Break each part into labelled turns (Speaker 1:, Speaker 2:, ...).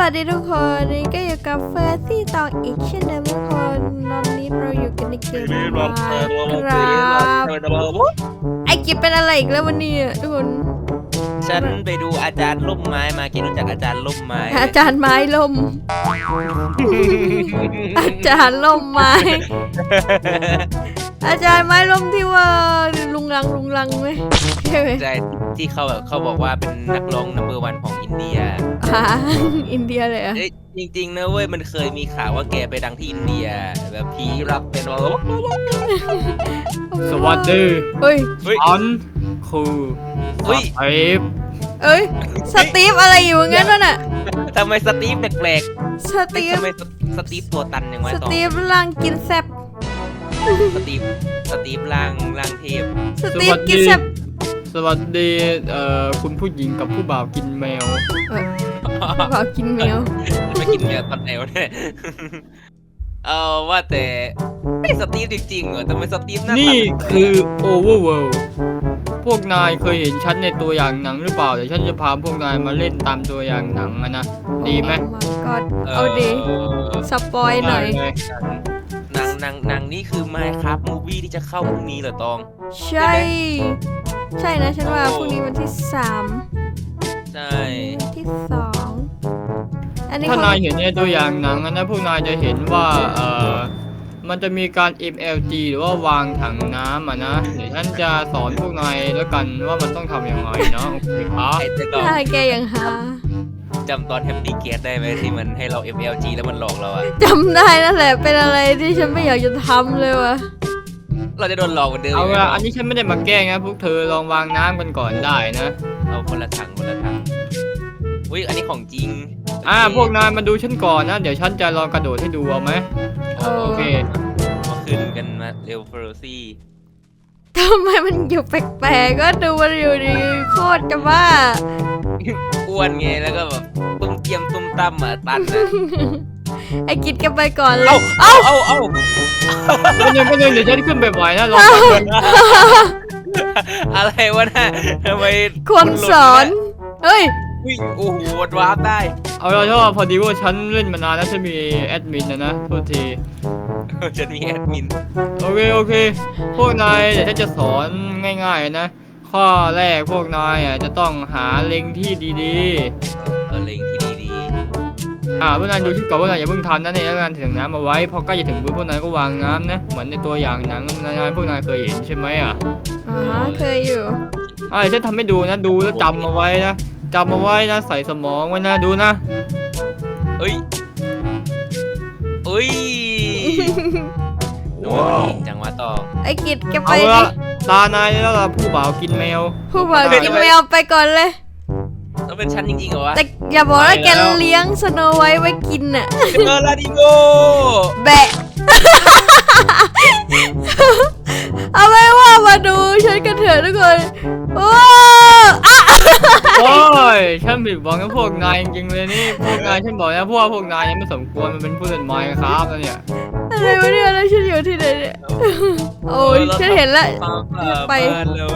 Speaker 1: วัสดีทุกคนนี่ก็อยู่กับเฟอร์ซี่ตองอีกเช่นเดิมทุกคนตอนนี้เราอยู่กันในเกมครับไอกิจเป็นอะไรอีกแล้ววันนี้ทุกคน
Speaker 2: ฉันไปดูอาจารย์ล่มไม้มากินรู้จักอาจารย์ล่มไม้
Speaker 1: อาจารย์ไม้ล่ม อาจารย์ล่มไม้ อาจารย์ไม้ล่มที่ว่าลุงลังไหมใช่ไหม
Speaker 2: ใช่ที่เขาบอกว่าเป็นนักร้องนัมเบอร์วันของอินเดีย
Speaker 1: อินเดียเลยอะ
Speaker 2: จริงๆนะเว้ยมันเคยมีข่าวว่าแกไปดังที่อินเดียแบบผีรับเป็นว่า
Speaker 3: สวัสดี
Speaker 1: เฮ้ย
Speaker 3: ฉันคือสตีฟ
Speaker 1: เอ้ยสตีฟอะไรอยู่งั้นวะน่ะ
Speaker 2: ทำไมสตีฟแปลก
Speaker 1: สตี
Speaker 2: ๆ
Speaker 1: ฟ
Speaker 2: ทำไมสตีฟตัวตันยังไง
Speaker 1: ส
Speaker 2: ต่อ
Speaker 1: ตีฟร่างกินแซบ
Speaker 2: สตีฟร่างเทพ
Speaker 1: สตีฟกินแซบ
Speaker 3: สวัสดีคุณผู้หญิงกับผู้บ่าวกินแมว
Speaker 1: บอกกินแมว
Speaker 2: ไม่กินเนื้อตอนไหนวะเนี่ยว่าแต่ไม่สตีฟจริงๆเหรอทำไมสตีฟหน้าตา
Speaker 3: นี่คือ Overworld พวกนายเคยเห็นฉันในตัวอย่างหนังหรือเปล่าเดี๋ยวฉันจะพาพวกนายมาเล่นตามตัวอย่างหนังนะดีไหม
Speaker 1: กอดเอาดีสปอยหน่อย
Speaker 2: หนังนี่คือ Minecraft Movie ที่จะเข้าพรุ่งนี้เหรอตอง
Speaker 1: ใช่ ใช่นะฉันว่าพรุ่งนี้วันที่3
Speaker 2: ใช่
Speaker 1: วันที่2อันนี้
Speaker 3: ถ้านายเห็นในตัวอย่างหนังนะพวกนายจะเห็นว่ามันจะมีการ MLG หรือว่าวางถังน้ำนะเดี๋ยวฉันจะสอนพวกนายแล้วกันว่ามันต้องทำยังไงเนาะโอเคครับ
Speaker 2: ไอ้เจ้าตอง
Speaker 1: หน้าแกยังหา
Speaker 2: จำตอน Happy Cat ได้ไหมที่มันให้เรา MLG แล้วมันหลอกเราอะ
Speaker 1: จำได้นั่นแหละเป็นอะไรที่ฉันไม่อยากจะทำเลยวะ
Speaker 2: เราจะโดนหลอกเหมือนเดิม
Speaker 3: เอาละอันนี้ฉันไม่ได้มาแกล้งนะพวกเธอลองวางน้ำกันก่อนได้นะ
Speaker 2: เอาคนละถังอุ้ยอันนี้ของจริง
Speaker 3: พวกนายมาดูฉันก่อนนะเดี๋ยวฉันจะลองกระโดดให้ดูเอาไหมโอเค
Speaker 2: มาขึ้นกันมาเร็วเฟอร์ซี่
Speaker 1: ทำไมมันอยู่แปลกๆก็ดูมันอยู่ดีโคตรจะบ้า
Speaker 2: อ้วนไงแล้วก็แบบตุ้มเกียมตุ้มตั้มอะตันอะ
Speaker 1: ไอ้กิดกันไปก่อนเลย
Speaker 2: เอ้า
Speaker 3: ก็ยังเดี๋ยวฉันขึ้นแบบไหวนะลองกัน
Speaker 2: อะไรวะน่ะทำไม
Speaker 1: คนสอนเฮ้ย
Speaker 2: วิ่งโอ้โหวาร์ปได้
Speaker 3: เอาละชอบพอดีว่าฉันเล่นมานานแล้วฉันมีแอดมินนะโทษที
Speaker 2: ฉันมีแอดมิน
Speaker 3: โอเคพวกนายเดี๋ยวฉันจะสอนง่ายๆนะข้อแรกพวกนายจะต้องหาเล็งที่ดี
Speaker 2: เล็งที่ดี
Speaker 3: พวกนายดูที่ก่อนพวกนายอย่าเพิ่งทำนะเนี่ยงานถึงน้ำเอาไว้พอใกล้จะถึงพื้นพวกนายก็วางน้ำนะเหมือนในตัวอย่างหนังพวกนายเคยเห็นใช่ไหม
Speaker 1: เคยอยู่
Speaker 3: เดี๋ยวฉันทำให้ดูนะดูแล้วจำเอาไว้นะจำเอาไว้นะใส่สมองไว้นะดูนะ
Speaker 2: ๆเอ้ยว้าวจังหวะต่อ
Speaker 1: ไอ้กิดแกไป
Speaker 3: เอา
Speaker 1: ดิ
Speaker 3: ละตานายแล้วล่ะผู้บ่าวกินแมว
Speaker 1: ผู้บ่าวกินแมวไปก่อนเลย
Speaker 2: ต้องเป็นฉันจริงๆเหรอวะ
Speaker 1: แต่อย่าบอกว่าแกเลี้ยงสโนไว้กินน่ะ
Speaker 2: ลาดิโก
Speaker 1: แบะ เอาไว้ว่ามาดูฉันกันเถอะทุกคนโอ้อะ
Speaker 3: โอ้ยฉันผิดหวังกับพวกนายจริงๆเลยนี่พวกนายฉันบอกนะพวกนายยังไม่สมควรมันเป็นผู้เล่นไมค์ครับแล้วเนี่ย
Speaker 1: อะไรวะเนี่ยแล้วฉันอยู่ที่ไหนเนี่ยโอ้ยฉันเห็นแล้ว ไป
Speaker 2: เร็ว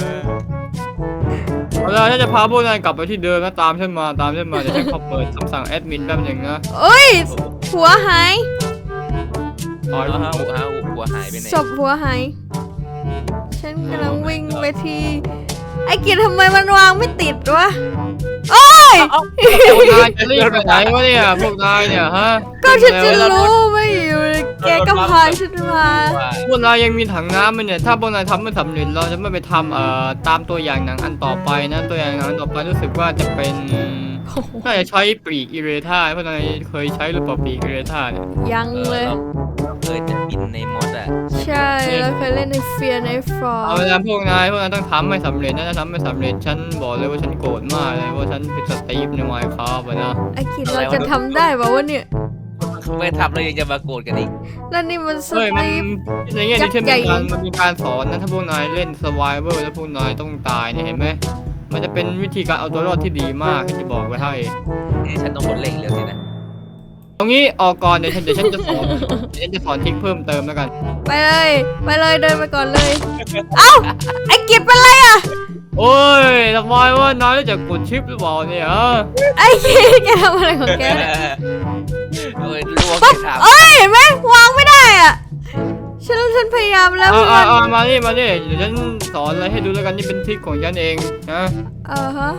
Speaker 3: เอาละฉันจะพาพวกนายกลับไปที่เดิมนะตามฉันมาเดี๋ยวฉันขอเปิดคำสั่งแอดมินแป๊บหนึงนะ
Speaker 1: โอ้ยหัวหาย
Speaker 2: หัวหายไปไหน
Speaker 1: ศพหัวหายฉันกำลังวิ่งไปที่ไอ้กิจทำไมมันวางไม่ติดวะโอ้ย
Speaker 3: พวกนายจะรีบไปไหนวะเนี่ยพวกนายเนี่ยฮะ
Speaker 1: ก็ฉันจะรู้ไม่อยู่แกก็พาฉันมา
Speaker 3: พวกนายยังมีถังน้ำมันเนี่ยถ้าพวกนายทำไม่สำเร็จเราจะไม่ไปทำตามตัวอย่างหนังอันต่อไปนะตัวอย่างหนังอันต่อไปรู้สึกว่าจะเป็นน่าจะใช้ปีกอิเรธาพวกนายเคยใช้หรือเปล่าปีกอิเรธาเนี่ย
Speaker 1: ยังเลย
Speaker 2: เราเคยจะบินในมอสอะ
Speaker 1: ใช่เราเคยเล่นในเฟียในฟอร์
Speaker 3: เอาเวลาพวกนายต้องทำให้สำเร็จนะถ้าทำไม่สำเร็จฉันบอกเลยว่าฉันโกรธมากเลยว่าฉันเป็นสตีฟในไมค์ครับนะ
Speaker 1: ไอ้กิจเราจะทำได้ป่าวะเนี่ย
Speaker 2: ไม่ทำแล้วยังจะมาโกรธกันอีก
Speaker 1: แล้วนี่มันส
Speaker 3: เฮ้ยมัน
Speaker 1: ตีฟ
Speaker 3: ในแง่นี้
Speaker 1: ยักษ์ใหญ่
Speaker 3: มันมีการสอนนะถ้าพวกนายเล่น Survivor แล้วพวกนายต้องตายเนี่ยเห็นไหมมันจะเป็นวิธีการเอาตัวรอดที่ดีมากที่จะบอกไว้ให้
Speaker 2: ฉันต้องกดเล่งเร็วสินะ
Speaker 3: ตรงนี้ออกก่อนเดี๋ยวฉันจะสอนทริคเพิ่มเติมแล้วกัน
Speaker 1: ไปเลยเดินไปก่อนเลย เอ้าไอ้กิจเป็นไรอะ
Speaker 3: โอ้ยทำไมวะนายรู้จักกดชิปหรือเปล่าเนี่ยฮะ
Speaker 1: ไอ้คิดแกทำอะไรของแกเนี่ย
Speaker 2: โอ้ยรู้ว่าแกถาม
Speaker 1: เอ้ยเห็นไหมวางไม่ได้อ่ะฉันพยายามแล้ว
Speaker 3: มานี่เดี๋ยวฉันสอนอะไรให้ดูแล้วกันนี่เป็นทริคของฉันเองนะ
Speaker 1: ฮะ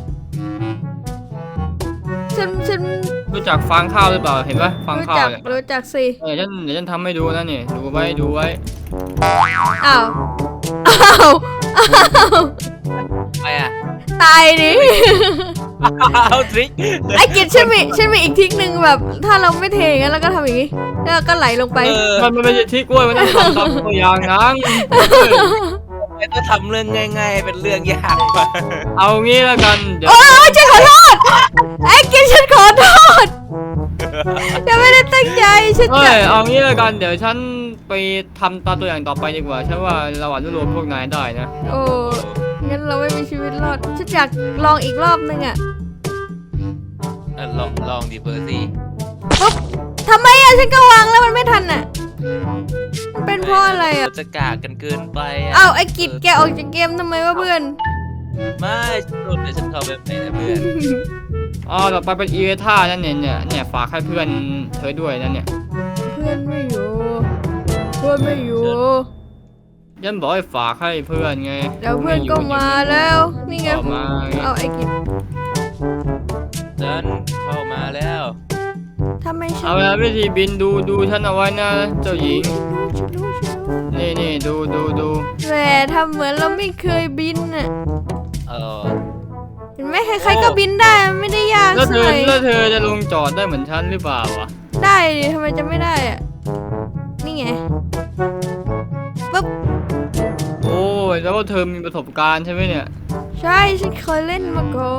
Speaker 1: ฉัน
Speaker 3: รู้จักฟางข้าวหรือเปล่าเห็นปะฟาง
Speaker 1: รู้
Speaker 3: ข้าว
Speaker 1: จัก
Speaker 3: เนี่ย
Speaker 1: รู้จักสิ
Speaker 3: เดี๋ยวฉันทำให้ดูนะเนี่ยดูไว้
Speaker 1: อ้าว
Speaker 2: ไปอ่ะ
Speaker 1: ตายดิ
Speaker 2: เอาทริค
Speaker 1: ไอ้กิจฉันมีอีกทริคหนึ่งแบบ ถ้าเราไม่เทอย่างนั้นแล้วก็ทำอย่างนี้แล้วก็ไหลลงไป
Speaker 3: มันไม่ใช่ทริคเว้ยมันต้องทำตามตัวอย่างนะ
Speaker 2: ไม่ต้องทำเรื่องง่ายๆเป็นเรื่องยากว่ะ
Speaker 3: เอางี้แล้วกันเดี๋ยว
Speaker 1: โอ้ยฉันขอโทษไอ้กิจฉันขอโทษฉันไม่ได้ตั้งใจฉัน
Speaker 3: เอ้
Speaker 1: จะ
Speaker 3: ยเอางี้แล้วกันเดี๋ยวฉันไปทำตามตัวอย่างต่อไปดีกว่าฉันว่าเราอาจจะรวมพวกนายได้นะ
Speaker 1: โอ้งั้นเราไม่มีชีวิตรอดฉันอยากลองอีกรอบนึงอ่ะ
Speaker 2: ลองดิเบอร์ซี่
Speaker 1: ปุ๊บทำไมอ่ะฉันก็วางแล้วมันไม่ทันอ่ะมันเป็นเพราะอะไรอ่ะ
Speaker 2: จะกากกันเกินไปะ
Speaker 1: อ้าวไอ้กิจแกออกจากเกมทำไมวะเพื่อน
Speaker 2: ไม่โดนเดี๋ยวฉันเข้าแบบไหนนะเพื่อน
Speaker 3: อ๋อต่อไปเป็นอีเวท่านั่นเนี่ยฝากให้เพื่อนเธอด้วยนั่นเนี่ย
Speaker 1: เพื่อนไม่อยู่เพื่อนไม่อยู่
Speaker 3: ยันบอกให้ฝากให้เพื่อนไง
Speaker 1: เดี๋ยวเพื่อนก็มาแล้วนี่ไง
Speaker 3: ออกมาไง
Speaker 1: เอาไอ้กิจ
Speaker 2: ฉันเข้ามาแล้ว
Speaker 1: ทำไมฉัน
Speaker 3: เอาละวิธีบินดูฉันเอาไว้นะเจ้าหญิง
Speaker 1: ฉันรู้
Speaker 3: นี่ดู
Speaker 1: แต่ทำเหมือนเราไม่เคยบินอ่ะ
Speaker 2: เออ
Speaker 1: เห็นไหมใครๆก็บินได้มันไม่ได้ยาก
Speaker 3: แล้ว
Speaker 1: สักหน่อย
Speaker 3: เธอจะลงจอดได้เหมือนฉันหรือเปล่าวะ
Speaker 1: ได้ดิทำไมจะไม่ได้อ่ะนี่ไงปุ๊บ
Speaker 3: โอ้ยแล้วว่าเธอมีประสบการณ์ใช่ไหมเนี่ย
Speaker 1: ใช่ฉันเคยเล่นมาก่อน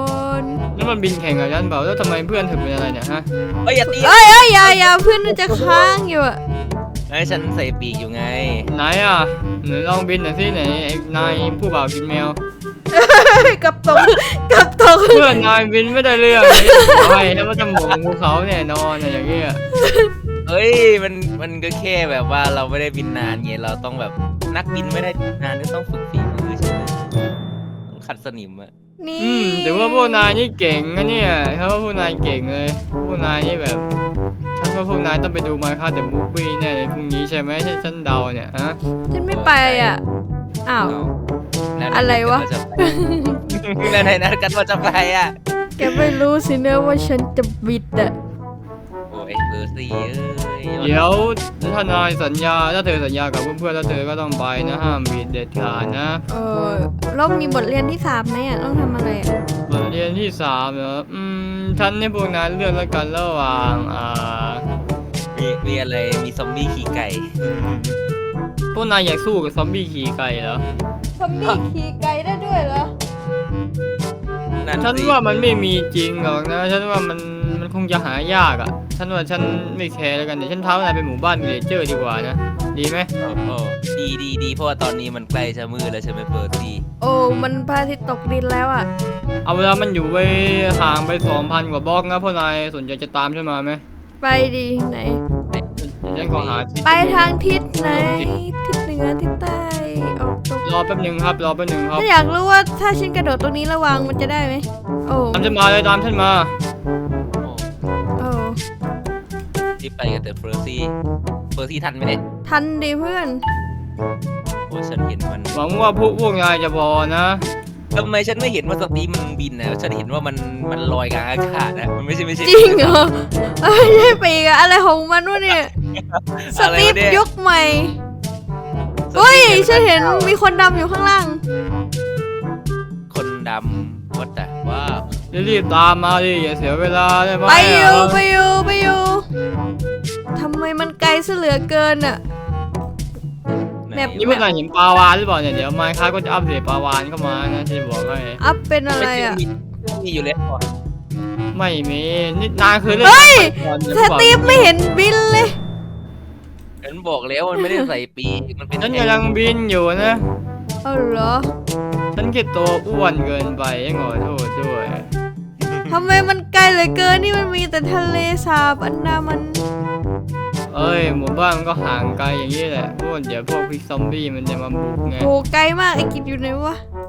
Speaker 3: แล้วมันบินแข่งกับฉันเปล่าแล้วทำไมเพื่อนเธอเป็นอะไรเนี่ยฮะ
Speaker 2: เอ้ยอย่าตี
Speaker 1: เอ้ยอย่าเพื่อนมันจะค้างอยู่อ่ะ
Speaker 2: ไอ้ฉันใส่ปีกอยู่ไง
Speaker 3: ไหนอ่ะไหนลองบินหน่อยสิไหนไอ้นายผู้บ่าวกินแมว
Speaker 1: กับตก
Speaker 3: เพื่อนนายบินไม่ได้เรื่องใช่แล้วมันจะหมงภูเขาแน่นอนอะอย่างเงี้ย
Speaker 2: เฮ้ยมันก็แค่แบบว่าเราไม่ได้บินนานไงเราต้องแบบนักบินไม่ได้บินนานก็ต้องฝึกฝีมือใช่ไหมต้องขัดสนิมอะ
Speaker 1: นี่
Speaker 3: แต่ว่าพวกนายนี่เก่งนะเนี่ยเขาว่าพวกนายเก่งเลยพวกนายนี่แบบฉันว่าพวกนายต้องไปดูมาค่าเดอะมูฟวี่แน่เลยพรุ่งนี้ใช่ไหมฉันเดาเนี่ยฮะ
Speaker 1: ฉันไม่ไปอ่ะอ้าว
Speaker 2: แล้ว
Speaker 1: อะไรวะ
Speaker 2: แล้วไหนนัดกันว่าจะไปอ่ะ
Speaker 1: แกไม่รู้สินะว่าฉันจะบิดอ่ะ
Speaker 2: โอ้ยเบอร์ซี่เอ้ย
Speaker 3: เดี๋ยวถ้านายสัญญาถ้าเธอสัญญากับเพื่อนๆแล้วเธอก็ต้องไปนะห้ามบิดเด็ดขาดนะ
Speaker 1: แล้วมีบทเรียนที่3ไหมอ่ะต้องทำอะไรอ่ะ
Speaker 3: บทเรียนที่3เหรอฉันให้พวกนายเลือกแล้วกันระหว่าง
Speaker 2: มีอะไรมีซอมบี้ขี่ไก่
Speaker 3: พวกนายอยากสู้กับซอมบี้ขี่ไก่เหรอ
Speaker 1: ซอมบี้ขี่ไก่ได้ด้วยเหรอ
Speaker 2: นั่น
Speaker 3: ฉัน
Speaker 2: สิ
Speaker 3: ว่ามันไม่มีจริงหรอกนะฉันว่ามันคงจะหายากอ่ะฉันว่าฉันไม่แคร์แล้วกันเดี๋ยวฉันท้านายไปหมู่บ้านวิลเลเจอร์ดีกว่านะดีไหม
Speaker 2: โอ้ดีเพราะว่าตอนนี้มันใกล้จะมืดแล้วใช่ไหมเบอร์ซี่
Speaker 1: โอ้มันพระอาทิตย์ตกดินแล้วอ่ะ
Speaker 3: เอาเวลามันอยู่ไปห่างไป 2,000 กว่าบล็อกนะพวกนายสนใจจะตามฉันมาไหม
Speaker 1: ไปดีไหน
Speaker 3: เดี๋ยวฉันขอหาที่
Speaker 1: ไปทางทิศไหนทิศเหนือทิศใต้ออกตก
Speaker 3: รอแป๊บหนึงครับ
Speaker 1: ถ้าอยากรู้ว่าถ้าฉันกระโดดตรงนี้ระวังมันจะได้ไหมโอ้
Speaker 3: ตามฉันมาเลยตามฉันมา
Speaker 1: โอ้
Speaker 2: รีบไปกันเถอะเบอร์ซี่ทันไหมเนี่ย
Speaker 1: ทันดิเพื่อน
Speaker 2: โอ้ฉันเห็นมัน
Speaker 3: หวังว่าพวกนายจะพอนะ
Speaker 2: ทำไมฉันไม่เห็นว่าสตีมันบินนะฉันเห็นว่ามันลอยกลางอากาศนะมันไม่ใช่
Speaker 1: จริงเหรอไม่ใช่ปีกอะอะไรของมันวะเนี่ยส
Speaker 2: อะไร
Speaker 1: ตีฟ
Speaker 2: วะเนี่ย
Speaker 1: ยุคใหม่เฮ้ยฉันเห็นมีคนดำอยู่ข้างล่าง
Speaker 2: คนดำวัดแต่ว่า
Speaker 3: รีบตามมาดิอย่าเสียเวลาได้ไหม
Speaker 1: ไปอยู่ทำไมมันไกลซะเหลือเกินอะ
Speaker 2: ไห
Speaker 1: แบบ
Speaker 3: นี่พวกนายเห็นปลาวานหรือเปล่าเนี่ยเดี๋ยวไมค์ค้าก็จะอัปเดตปลาวานเข้ามานะที่บอกให้
Speaker 1: อัพเป็นอะไรอะ
Speaker 2: มีอยู่แล้ว
Speaker 3: ไม่มีนี่นายเคยเล่น
Speaker 1: เฮ้ย
Speaker 3: ก่อนหรือ
Speaker 1: ส
Speaker 3: เปล่า
Speaker 1: ตีฟไม่เห็นบินเลย
Speaker 2: ฉันบอกแล้วมันไม่ได้ใส่ปีกมันเป็น
Speaker 3: ฉันกำลังบินอยู่นะ
Speaker 1: เอาเหรอ
Speaker 3: ฉันแค่ตัวอ้วนเกินไปขอโทษด้วย
Speaker 1: ทำไมมันไกลเหลือเกินนี่มันมีแต่ทะเลสาบอันดามัน
Speaker 3: เอ้ยหมู่บ้านมันก็ห่างไกลอย่างนี้แหละพวกเดี๋ยวพวกพิกซอมบี้มันจะมาบุกไง
Speaker 1: โหไกลมากไอ้กิจอยู่ไหนวะ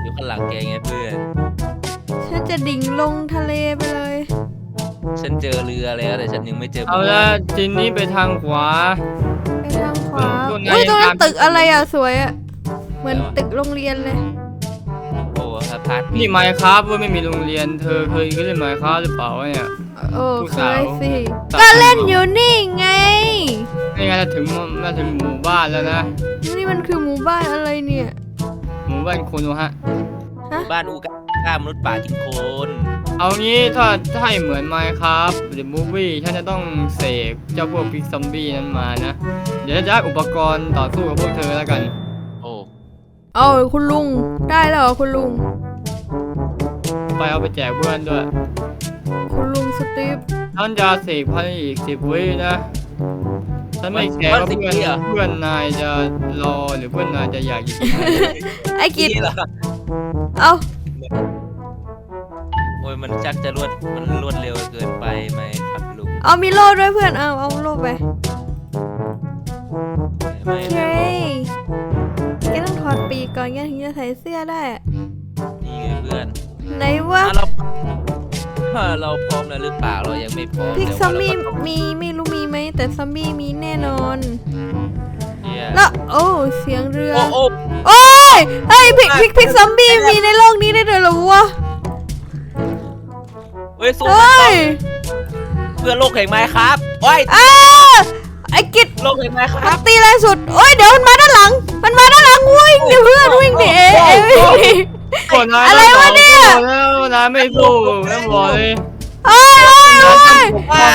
Speaker 2: อยู่ข้างหลังแกไงเพื่อน
Speaker 1: ฉันจะดิ่งลงทะเลไปเลย
Speaker 2: ฉันเจอเรือแล้วแต่ฉันยังไม่เจอ
Speaker 3: เอาละทีนี้ไปทางขวา
Speaker 1: ไปทางขวา
Speaker 3: ตรงไหน
Speaker 1: อุ้ยตรงนั้น
Speaker 3: ตาม
Speaker 1: ตึกอะไรอ่ะสวยอ่ะเหมือนตึกโรงเรียนเลย
Speaker 2: โอ้สะพาน
Speaker 3: นี่ไมค์ครับว่าไม่มีโรงเรียนเธอเคยเล่นไมค์ครับหรือเปล่าวะเนี่ย
Speaker 1: โอ้
Speaker 3: ผู้
Speaker 1: เค
Speaker 3: สาว
Speaker 1: ยสิ
Speaker 3: สาว
Speaker 1: ก็เล่นอยู่นี่ไง
Speaker 3: นี่ไงมาถึงหมู่บ้านแล้วนะ
Speaker 1: นี่มันคือหมู่บ้านอะไรเนี่ย
Speaker 3: หมู่บ้านโคโนฮะ
Speaker 2: บ้านอูก้ามนุษย์ป่ากินโคน
Speaker 3: เอางี้ถ้าให้เหมือนไมค์ครับหรือมูฟวี่ฉันจะต้องเสกเจ้าพวกพิกซอมบี้นั้นมานะ เดี๋ยวจะได้อุปกรณ์ต่อสู้กับพวกเธอแล้วกัน
Speaker 2: โอ้
Speaker 1: เอาคุณลุงได้แล้วเหรอคุณลุง
Speaker 3: ไปเอาไปแจกเพื่อนด้วย
Speaker 1: คุณลุงสตีฟ
Speaker 3: ฉันจะเสกภายในอีก10 วินะ ฉันไม่แคร์ว่าเพื่อนนายจะรอหรือเพื่อนนายจะอยากอยู่ที่ไหน
Speaker 1: ไอ้กิจ
Speaker 2: นี่เหรอ
Speaker 1: เอา
Speaker 2: โอ้ยมันจักจะรวดเร็วเกินไปไหมครับลุง
Speaker 1: เอามีโล่ด้วยเพื่อนเอาโล่ไป
Speaker 2: ไม่
Speaker 1: โอเคแกต้องถอดปีกก่อนแกถึงจะใส่เสื้อได้อะ
Speaker 2: นี่ไงเพื่อน
Speaker 1: ไหนวะ
Speaker 2: เราพร้อมแล้วหรือเปล่าเรายังไม่พร้อม
Speaker 1: พิกซอมบี้
Speaker 2: แต่ว่าเราก็ต้อง
Speaker 1: มีไม่รู้มีไหมแต่ซอมบี้มีแน่นอน
Speaker 2: เนี่ย
Speaker 1: แล้วโอ้เสียงเรือ
Speaker 2: โอ้
Speaker 1: โอ้ยเฮ้ยพิกซอมบี้มีในโลกนี้ได้ด้วยเหรอวะ
Speaker 2: เฮ้ยสู้
Speaker 1: เฮ้ย
Speaker 2: เพื่อนโลกแห่งไม้ครับโอ้ย
Speaker 1: อ้าไอ้กิจ
Speaker 2: โลกแห่งไม้ค
Speaker 1: มั
Speaker 2: รั
Speaker 1: น
Speaker 2: บ
Speaker 1: ตีแรงสุดโอ้ยเดี๋ยวมันมาด้านหลังวิ่งดิเพื่อนวิ่งดิวิ่งดิ อะไรวะเนี่ย
Speaker 3: แล้วนายไม่สู้แล้วบอกเลย
Speaker 1: โอ้ยโอ้ย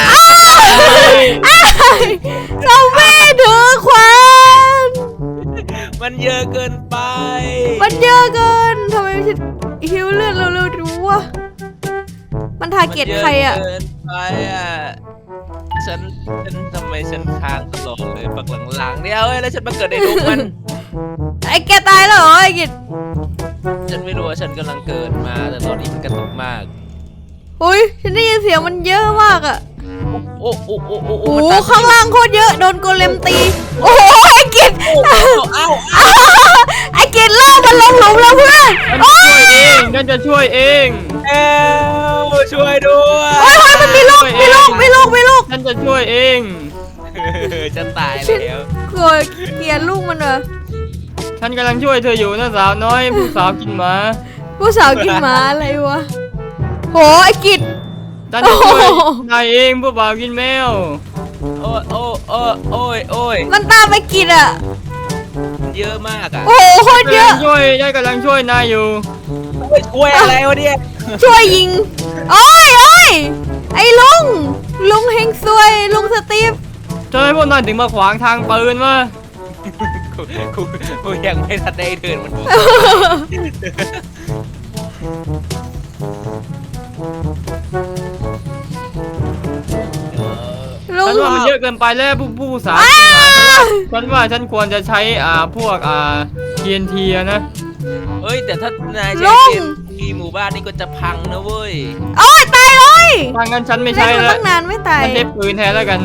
Speaker 1: ซอมบี้ถือขวาน
Speaker 2: มันเยอะเกินไป
Speaker 1: มันเยอะเกินทำไมฉันหิวเลือดเร็วๆดูวะมันทาร์เก็ตใครอ่ะ
Speaker 2: มันเยเกินไปอ่ะฉันทำไมฉันค้างตลอดเลยปักหลังๆเนี่ยเอ้ยแล้วฉันมาเกิดในลูกมัน
Speaker 1: ไอ้แกตายแล้วเหรอไอ้กิจ
Speaker 2: ฉันไม่รู้ว่าฉันกำลังเกิดมาแต่ตอนนี้มันกระตุกมาก
Speaker 1: อุ้ยฉันได้ยินเสียงมันเยอะมากอ่ะ
Speaker 2: โอ้โอ้โอ้โอ้
Speaker 1: โอ้
Speaker 2: มัน
Speaker 1: โห
Speaker 2: ตาม
Speaker 1: ข้างล่างโคตรเยอะโดนโกเลมตีโอ้โหไอ้กิจ
Speaker 2: เอ้า
Speaker 1: ไอ้กิจล่ากมันลงหลุมแล้วเพื่อน
Speaker 3: ฉันจะช่วยเอง
Speaker 2: เอ้าช่วยด้วย
Speaker 1: โอ้ยมันมีลูก
Speaker 3: ฉันจะช่วยเอง
Speaker 2: จะตายแล้ว
Speaker 1: กลัวเกลียดลูกมันเหรอ
Speaker 3: ฉันกำลังช่วยเธออยู่นะสาวน้อยผู้สาวกินหมา
Speaker 1: ผู้สาวกินหมาอะไรวะโหไอ้กิจ
Speaker 3: ฉันจะช่วย
Speaker 1: โอ้โห
Speaker 3: นายเองผู้บ่าวกินแมว
Speaker 2: โอ้ยโอ้ยโอ้ยโอ้ยโอ้ย
Speaker 1: มันตามไปกิจอ่ะ
Speaker 2: เยอะมากอ่ะ
Speaker 1: โอ้โหโคตรเยอะ
Speaker 3: กำลังช่วยนายอยู่
Speaker 2: ช่วยอะไรวะเนี่ย
Speaker 1: ช่วยยิงโอ้ยไอ้ลุงเฮงซวยลุงสตีฟ
Speaker 3: เธอให้พวกนายถึงมาขวางทางปืนวะ
Speaker 2: กูยังไม่ทันได้เดินมันบอก
Speaker 1: ลุ
Speaker 3: ฉั
Speaker 1: ง
Speaker 3: นว่ามันเยอะเกินไปแล้วผู้สาวฉันว่าฉันควรจะใช้พวกTNT อะนะ
Speaker 2: เอ้ยแต่ถ้านายใช้
Speaker 1: ลุง
Speaker 2: เกมทีหมู่บ้านนี่ก็จะพังนะเว้ย
Speaker 1: โอ้ยตายเลย
Speaker 3: ถ้างั้นฉันไม่
Speaker 1: เล่
Speaker 3: ใช้
Speaker 1: นมา
Speaker 3: แล้ว
Speaker 1: ตั้งนานไม่ตาย
Speaker 3: ฉันเทปปืนแทนแล้วกัน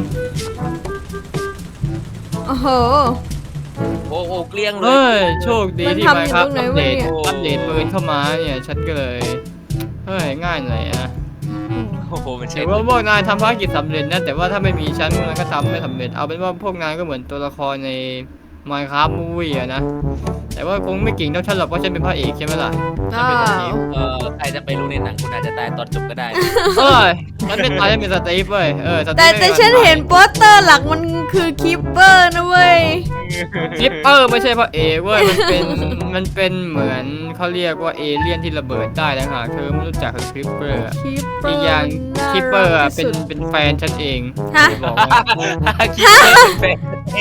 Speaker 1: โอ้โห
Speaker 2: โอ้โอ้เกลี้ยงเล
Speaker 3: เฮ้
Speaker 2: ย
Speaker 3: ยโชคดี
Speaker 1: มัน
Speaker 3: ที่
Speaker 1: ทำ
Speaker 3: มา
Speaker 1: อยู่
Speaker 3: ครับ
Speaker 1: ตรงไหน
Speaker 3: อัป
Speaker 1: วะ
Speaker 3: เดต
Speaker 1: เนี่ย
Speaker 3: อัปเดตปืนเข้ามาเนี่ยฉันก็เลยเฮ้ยง่ายหน่อยนะ
Speaker 2: โอ้โหมันใช่
Speaker 3: แต่ว่าพวกนายทำภารกิจสำเร็จนะแต่ว่าถ้าไม่มีฉันพวกนายก็ทำไม่สำเร็จเอาเป็นว่าพวกนายก็เหมือนตัวละครใน Minecraft Movie อะนะแต่ว่าคงไม่เก่งเท่าฉันหรอกเพราะฉันเป็นพระเอกใช่ไหมล่ะฉันเป็นสตีฟ
Speaker 2: ใครจะไปรู้ในหนังคุณอาจจะตายตอนจบก็ได้
Speaker 3: เอ้ยฉันเป็นตายฉันเป็นสตีฟเว้ยสตีฟ
Speaker 1: แต่ฉันเห็นโปสเตอร์หลักมันคือคิปเปอร์นะเว้ย
Speaker 3: คิปเปอร์ไม่ใช่พระเอกเว้ยมันเป็นเหมือนเขาเรียกว่าเอเลี่ยนที่ระเบิดได้นะฮะเธอไม่รู้จักคิปเปอร์
Speaker 1: คิปเปอ
Speaker 3: อี
Speaker 1: ร์
Speaker 3: กอย่าง
Speaker 1: น่า
Speaker 3: คิปเปอร์
Speaker 1: รั
Speaker 3: อะ
Speaker 1: กที่สุด
Speaker 3: เป็นแฟนฉันเอง
Speaker 1: ฮะ
Speaker 3: บอกว่า
Speaker 2: คิดว่าเป็นแฟนเอง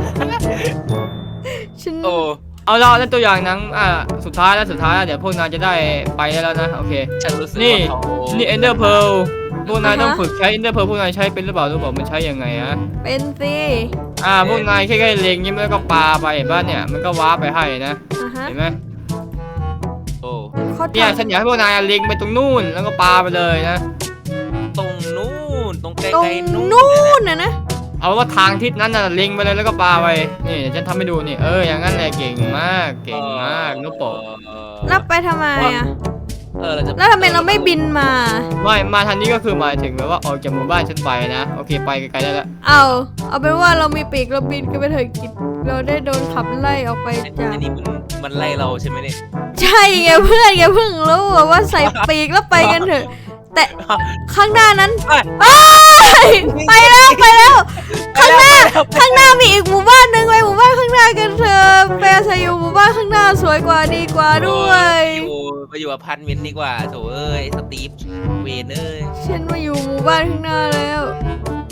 Speaker 1: ฉัน
Speaker 2: โอ้
Speaker 3: เอาละนั่นตัวอย่างหนังสุดท้ายแล้วเดี๋ยวพวกนายจะได้ไปได้แล้วนะโอเค
Speaker 2: ฉันรู้สึก
Speaker 3: นี่
Speaker 2: ว่าเขา
Speaker 3: นี่ Ender Pearl พวกนายต้องฝึกใช้ Ender Pearl พวกนายใช้เป็นหรือเปล่ารู้เปล่ามันใช้ยังไงอะ
Speaker 1: เป็นสิ
Speaker 3: พวกนายแค่เล็งยิ้มแล้วก็ปาไปเห็นป่ะเนี่ยมันก็ว้าร์ปไปให้นะ
Speaker 1: อ่ะฮะ
Speaker 3: เห็นไหม
Speaker 2: โอ้
Speaker 1: เขา
Speaker 3: เนี่ย
Speaker 1: ทำ
Speaker 3: ฉันอยากให้พวกนายเล็งไปตรงนู่นแล้วก็ปาไปเลยนะ
Speaker 2: ตรงนู้นตรงไก
Speaker 1: ตรง
Speaker 2: ลๆนู้น
Speaker 1: นู่นนะ
Speaker 3: เอาว่าทางทิศนั้นน่ะเล็งไปเลยแล้วก็ปาไปนี่เดี๋ยวฉันทำให้ดูนี่อย่างนั้นแหละเก่งมากนุโปะ
Speaker 1: แล้วไปทำไมอ่ะ
Speaker 2: เราจะ
Speaker 1: แล้วทำไมเราไม่บินมา
Speaker 3: ไม่มาทางนี้ก็คือหมายถึงแบบว่าออกจากหมู่บ้านฉันไปนะโอเคไปไกลๆได้แล้ว
Speaker 1: เอาเป็นว่าเรามีปีกเราบินกันไปเถอะกิจเราได้โดนขับไล่ออกไปจาก
Speaker 2: อันนี้มันไล่เราใช่ไหมเนี่ย
Speaker 1: ใช่ไงเพื่อนแกเพิ่งรู้ว่าใส่ปีกแล้วไปกันเถอะ แต่ข้างหน้านั้นไปแล้วข้างหน้ามีอีกหมู่บ้านหนึ่งไปหมู่บ้านข้างหน้ากันเถอะไปอาศัยอยู่หมู่บ้านข้างหน้าสวยกว่าดีกว่าด้วย
Speaker 2: ไปอยู่อพาร์ตเมนต์ดีกว่าโถเอ้ยสตีฟเวนเอ้ย
Speaker 1: ฉันมาอยู่หมู่บ้านข้างหน้าแล้ว